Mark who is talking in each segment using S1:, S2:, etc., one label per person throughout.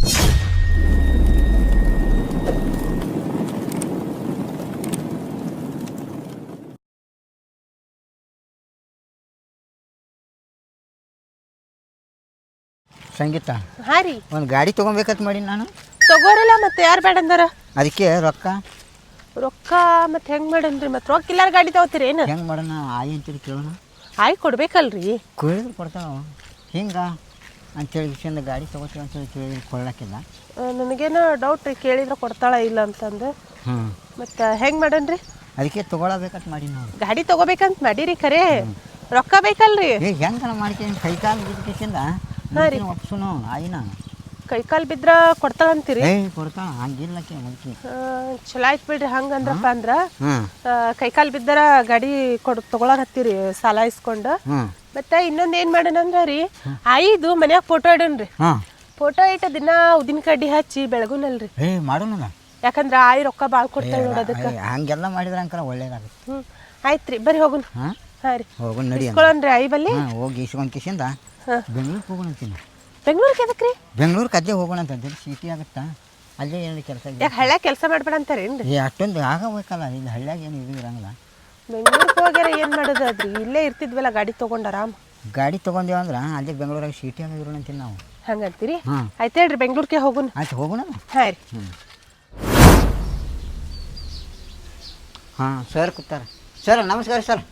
S1: ಸಂಗೀತ
S2: ಹಾಂ ರೀ
S1: ಒಂದು ಗಾಡಿ ತೊಗೊಬೇಕಂತ ಮಾಡಿ ನಾನು
S2: ತಗೋರಲ್ಲ ಮತ್ತೆ ಯಾರು ಬೇಡ ಅಂದಾರ
S1: ಅದಕ್ಕೆ
S2: ರೊಕ್ಕ ಮತ್ತೆ ಹೆಂಗೆ ಮಾಡನ್ರಿ ಮತ್ತೆ ರೊಕ್ಕ ಇಲ್ಲಾರ ಗಾಡಿ ತಗೋತೀರಿ ಏನು
S1: ಹೆಂಗೆ ಮಾಡೋಣ ಆಯಿ ಅಂತೇಳಿ ಕೇಳೋಣ
S2: ಆಯ್ ಕೊಡ್ಬೇಕಲ್ರಿ
S1: ಕೇಳಿದ್ರೆ ಕೊಡ್ತಾವ ಹಿಂಗೆ ಅಂತೇಳಿ ವಿಷಯದಿಂದ ಗಾಡಿ ತೊಗೋತೀವಿ ಅಂತೇಳಿ ಕೇಳಿ ಕೊಡ್ಲಾಕಿಲ್ಲ
S2: ನನಗೇನೋ ಡೌಟ್ ರೀ ಕೇಳಿದ್ರೆ ಕೊಡ್ತಾಳ ಇಲ್ಲ ಅಂತಂದು ಮತ್ತು ಹೆಂಗೆ ಮಾಡನ್ರಿ
S1: ಅದಕ್ಕೆ ತೊಗೊಳಬೇಕಂತ ಮಾಡಿ ನಾವು
S2: ಗಾಡಿ ತಗೋಬೇಕಂತ ಮಾಡೀರಿ ಖರೆ ರೊಕ್ಕ ಬೇಕಲ್ರಿ
S1: ಈಗ ಹೆಂಗೆ ಮಾಡ್ತೀನಿ ಕೈ ಕಾಲು ಬಿದ್ದಕ್ಕಿಂದ ಒಪ್ಸುನು ಆಯಿನ
S2: ಕೈ ಕಾಲು ಬಿದ್ರೆ ಕೊಡ್ತಾಳಂತೀರಿ
S1: ಕೊಡ್ತಾಳ ಹಂಗಿಲ್ಲಕ್ಕೆ ಮುದುಕಿ
S2: ಚಲೋ ಆಯ್ತು ಬಿಡ್ರಿ ಹಂಗಂದ್ರಪ್ಪ ಅಂದ್ರೆ ಕೈ ಕಾಲು ಬಿದ್ದರ ಗಾಡಿ ತೊಗೊಳಕತ್ತೀರಿ ಸಾಲ ಇಸ್ಕೊಂಡು ಮತ್ತೆ ಇನ್ನೊಂದು ಏನು ಮಾಡೋಣಂದ್ರೆ ರೀ ಆಯಿದು ಮನ್ಯಾಗ ಫೋಟೋ ಇಡೋಣ್ರಿ ಫೋಟೋ ಇಟ್ಟ ದಿನ ಉದಿನ ಕಡ್ಡಿ ಹಚ್ಚಿ ಬೆಳಗುನಲ್ರಿ
S1: ಮಾಡೋಣ
S2: ಯಾಕಂದ್ರೆ ಆಯಿ ರೊಕ್ಕ ಭಾಳ ಕೊಡ್ತಾಳೆ ನೋಡೋದಕ್ಕೆ
S1: ಹಂಗೆಲ್ಲ ಮಾಡಿದ್ರೆ ಅಂಕರ ಒಳ್ಳೇದಾಗುತ್ತೆ
S2: ಆಯ್ತು ರೀ ಬರ್ರಿ ಹೋಗುನ್ ಹಾಂ ರೀ
S1: ಹೋಗೋಣ ನಡಿ
S2: ಇಸ್ಕೊಳ್ಳೋಣ್ರಿ ಆಯಿ ಬಲ್ಲಿ
S1: ಹೋಗಿ ಇಸ್ಕೊಂಡು ಕಿಸಿಂದ ಬೆಂಗ್ಳೂರಿಗೆ ಹೋಗೋಣ ಅಂತೀನಿ
S2: ಬೆಂಗ್ಳೂರಿಗೆ ಎದಕ್ಕೆ ರೀ
S1: ಬೆಂಗ್ಳೂರಿಗೆ ಅದೇ ಹೋಗೋಣ ಅಂತ ಸಿಟಿ ಆಗುತ್ತಾ ಅಲ್ಲೇ ಏನು ಕೆಲಸ
S2: ಯಾಕೆ ಹಳ್ಳ್ಯಾಗ ಕೆಲಸ ಮಾಡ್ಬೇಡ ಅಂತಾರೇನ್ರಿ
S1: ಅಷ್ಟೊಂದು ಆಗಬೇಕಲ್ಲ ಇಲ್ಲಿ ಹಳ್ಳ್ಯಾಗ ಏನು ಇದು ಇರಂಗಿಲ್ಲ
S2: ಬೆಂಗ್ಳೂರಿಗೆ ಹೋಗ್ಯಾರ ಏನು ಮಾಡೋದು ಅದ್ರಿ ಇಲ್ಲೇ ಇರ್ತಿದ್ವಲ್ಲ ಗಾಡಿ ತೊಗೊಂಡು ಆರಾಮ್
S1: ಗಾಡಿ ತೊಗೊಂಡೇವ ಅಂದ್ರೆ ಅಲ್ಲೇ ಬೆಂಗ್ಳೂರಾಗ ಸಿಟಿಯಾಗ ಇರೋಣ ಅಂತೀನಿ ನಾವು
S2: ಹಂಗಂತೀರಿ ಆಯ್ತು ಹೇಳ್ರಿ ಬೆಂಗ್ಳೂರಿಗೆ ಹೋಗೋಣ
S1: ಆಯ್ತು ಹೋಗೋಣ
S2: ಹಾಂ ರೀ
S1: ಹಾಂ ಸರ್ ಕೂತಾರೆ ಸರ್ ನಮಸ್ಕಾರ ಸರ್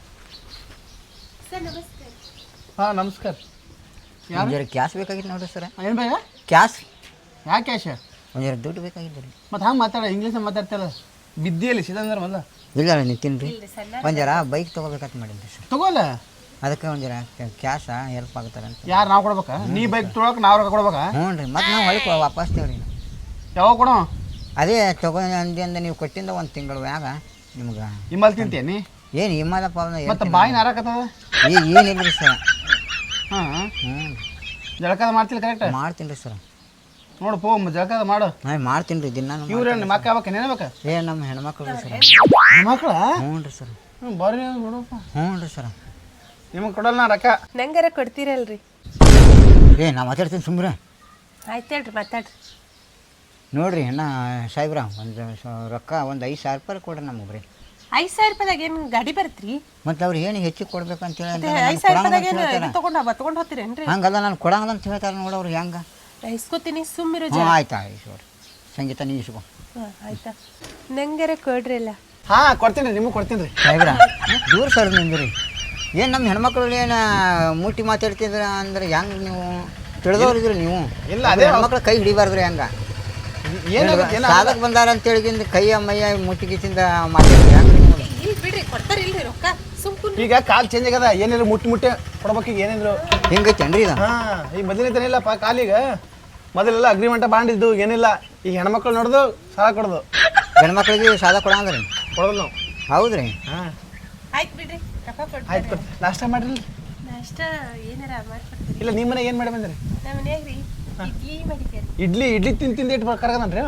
S3: ಹಾಂ ನಮಸ್ಕಾರ
S1: ಜರ ಕ್ಯಾಶ್ ಬೇಕಾಗಿತ್ತು ನೋಡ್ರಿ ಸರ್
S3: ಏನು ಬೇಗ
S1: ಕ್ಯಾಶ್
S3: ಯಾಕೆ ಕ್ಯಾಶ
S1: ಒಂದು ಜರ ದುಡ್ಡು ಬೇಕಾಗಿತ್ತು ರೀ
S3: ಮತ್ತು ಹಂಗೆ ಮಾತಾಡ ಇಂಗ್ಲೀಷ್ ಮಾತಾಡ್ತಾರಲ್ಲ ಬಿದ್ದಿಯಲ್ಲಿ ಸಿದಂದ್ರೆ ಮೊದಲ
S1: ಇಲ್ಲ ನಿಂತೀನಿ ರೀ ಒಂದು ಜರ ಬೈಕ್ ತೊಗೋಬೇಕಂತ ಮಾಡಿದ್ರಿ ಸರ್
S3: ತಗೋಲ್ಲ
S1: ಅದಕ್ಕೆ ಒಂದು ಜರ ಕ್ಯಾಶ ಹೆಲ್ಪ್ ಆಗ್ತಾರೆ ಅಂತ
S3: ಯಾರು ನಾವು ಕೊಡ್ಬೇಕಾ ನೀ ಬೈಕ್ ತೊಗೊಳಕ್ಕೆ ನಾವು ರೊಕ್ಕ ಕೊಡ್ಬೇಕಾ
S1: ಹ್ಞೂ ರೀ ಮತ್ತು ನಾವು ಹೊಳಿಕ ವಾಪಸ್ ತೇವ್ರಿ
S3: ಯಾವಾಗ ಕೊಡೋ
S1: ಅದೇ ಅಂದಿಂದ ನೀವು ಕೊಟ್ಟಿಂದ ಒಂದು ತಿಂಗಳು ಮ್ಯಾಗ ನಿಮ್ಗೆ
S3: ಇಮ್ಮಲ್ ತಿಂತೇನಿ
S1: ಏನು ಹಿಮಾಲಪ್ಪ
S3: ಮತ್ತು ಬಾಯಿನ ಹಾರಾಕತ್ತದ
S1: ಏನಿಲ್ಲ ರೀ ಸರ್
S3: ಹಾಂ
S1: ಹ್ಞೂ
S3: ಜಳಕದ ಮಾಡ್ತಿಲ್ಲ ಕರೆಕ್ಟ್
S1: ಮಾಡ್ತೀನಿ ರೀ ಸರ್
S3: ನೋಡು ಪೋ ಜಳಕದ ಮಾಡು
S1: ನಾನು ಮಾಡ್ತೀನಿ ರೀ ದಿನ
S3: ಇವ್ರೇನು ಮಕ್ಕ ಆಗ್ಬೇಕು ಏನೇನ್ಬೇಕು
S1: ನಮ್ಮ ಹೆಣ್ಮಕ್ಳು ರೀ ಸರ್
S3: ಮಕ್ಕಳ
S1: ಹ್ಞೂ ರೀ ಸರ್
S3: ಹ್ಞೂ ಬರ್ರಿ ನೋಡಪ್ಪ
S1: ಹ್ಞೂ ರೀ ಸರ್
S3: ನಿಮಗೆ ಕೊಡಲ್ಲ ನಾ ರೊಕ್ಕ
S2: ನಂಗಾರ ಕೊಡ್ತೀರಲ್ರಿ
S1: ನಾ ಮಾತಾಡ್ತೀನಿ ಸುಮ್ರೆ
S2: ಆಯ್ತು ಹೇಳ್ರಿ ಮಾತಾಡ್ರಿ
S1: ನೋಡಿರಿ ಅಣ್ಣ ಸಾಹೇಬ್ರ ಒಂದು ರೊಕ್ಕ ಒಂದು 5,000 ರೂಪಾಯಿ ಕೊಡ್ರಿ ನಮಗೆ ರೀ
S2: 5,000 ರೂಪಾಯಿದಾಗ ಏನು ಗಾಡಿ ಬರುತ್ತ್ರಿ
S1: ಮತ್ತು ಅವ್ರು ಏನು ಹೆಚ್ಚಿಗೆ ಕೊಡ್ಬೇಕು ಅಂತೇಳಿ
S2: 5,000 ರೂಪಾಯಿದಾಗ ಏನು ತೊಗೊಂಡು ಹೋಗ್ತೀರೇನ್ರಿ
S1: ಹಂಗಲ್ಲ ನಾನು ಕೊಡಂಗಲ್ಲ ಅಂತ ಹೇಳ್ತಾರೆ ನೋಡವ್ರು ಹೆಂಗೆ
S2: ಇಸ್ಕೊತೀನಿ ಸುಮ್ಮಿರು
S1: ಆಯ್ತು ಆಯ್ತು ಸಂಗೀತ ನೀವು ಇಸ್ಕೊ
S2: ಆಯ್ತಾ ನಂಗಾರ ಕೊಡ್ರಿ ಅಲ್ಲ
S3: ಹಾಂ ಕೊಡ್ತೀನಿ ರೀ ನಿಮಗೆ ಕೊಡ್ತೀನಿ ರೀ
S1: ಸಾಹೇಬ್ರ ದೂರ ಸರ್ ನಿಮ್ದು ರೀ ಏನು ನಮ್ಮ ಹೆಣ್ಮಕ್ಳು ಏನು ಮುಟ್ಟಿ ಮಾತಾಡ್ತಿದ್ರ ಅಂದ್ರೆ ಹೆಂಗೆ ನೀವು ತಿಳಿದವ್ರಿದ್ರಿ ನೀವು
S3: ಇಲ್ಲ ಅದೇ
S1: ಹೆಣ್ಮಕ್ಳು ಕೈ ಹಿಡಿಬಾರ್ದ್ರಿ ಹಂಗೆ ಸಾಲಕ್ಕೆ ಬಂದಾರ ಅಂತೇಳಿ ಕೈಯ ಮೈಯ ಮುಟ್ಟಿಗಿಸಿಂದ ಮಾತಾಡಿದ್ರಿ ಹೆಂಗೆ
S2: ಇಲ್ಲಿ ಬಿಡ್ರಿ ಕೊಡ್ತಾರಿಲ್ರಿ ರೊಕ್ಕ ಸುಮ್ಕು
S3: ಈಗ ಕಾಲು ಚೇಂಜ್ ಆಗ್ಯದ ಏನಿದ್ರು ಮುಟ್ಟಿ ಕೊಡ್ಬೇಕು ಈಗ ಏನಿದ್ರು
S1: ಹಿಂಗೈತೇನ್ರಿ ಇದು
S3: ಹಾಂ ಈಗ ಮೊದಲನೇ ಇಲ್ಲಪ್ಪ ಕಾಲಿಗ ಮೊದಲೆಲ್ಲ ಅಗ್ರಿಮೆಂಟ ಬಾಂಡ್ ಇದ್ದು ಏನಿಲ್ಲ ಈಗ ಹೆಣ್ಮಕ್ಳು ನೋಡ್ದು ಸಾಲ ಕೊಡೋದು
S1: ಹೆಣ್ಮಕ್ಳಿಗೆ ಸಾಲ ಕೊಡಂಗ್ರಿ
S3: ಕೊಡೋದು ನಾವು
S1: ಹೌದು ರೀ
S3: ಹಾಂ
S2: ಆಯ್ತು ಬಿಡ್ರಿ ರೊಕ್ಕ ಕೊಡ್ರಿ
S3: ಆಯ್ತು ನಾಷ್ಟ ಮಾಡಿರಿ
S2: ನಾಷ್ಟ ಏನಾರ ಮಾಡ್ಕೊಡ್ತೀರಿ
S3: ಇಲ್ಲ ನಿಮ್ಮ ಮನೆ ಏನು ಮಾಡಿ ಬಂದ್ರಿ
S2: ನಮ್ಮ ಮನ್ಯಾಗ ರೀ ಇಡ್ಲಿ ಮಾಡಿದ್ದೆ
S3: ಇಡ್ಲಿ ತಿಂದು ಇಟ್ಟು ಕರ್ಗದನ್ರಿ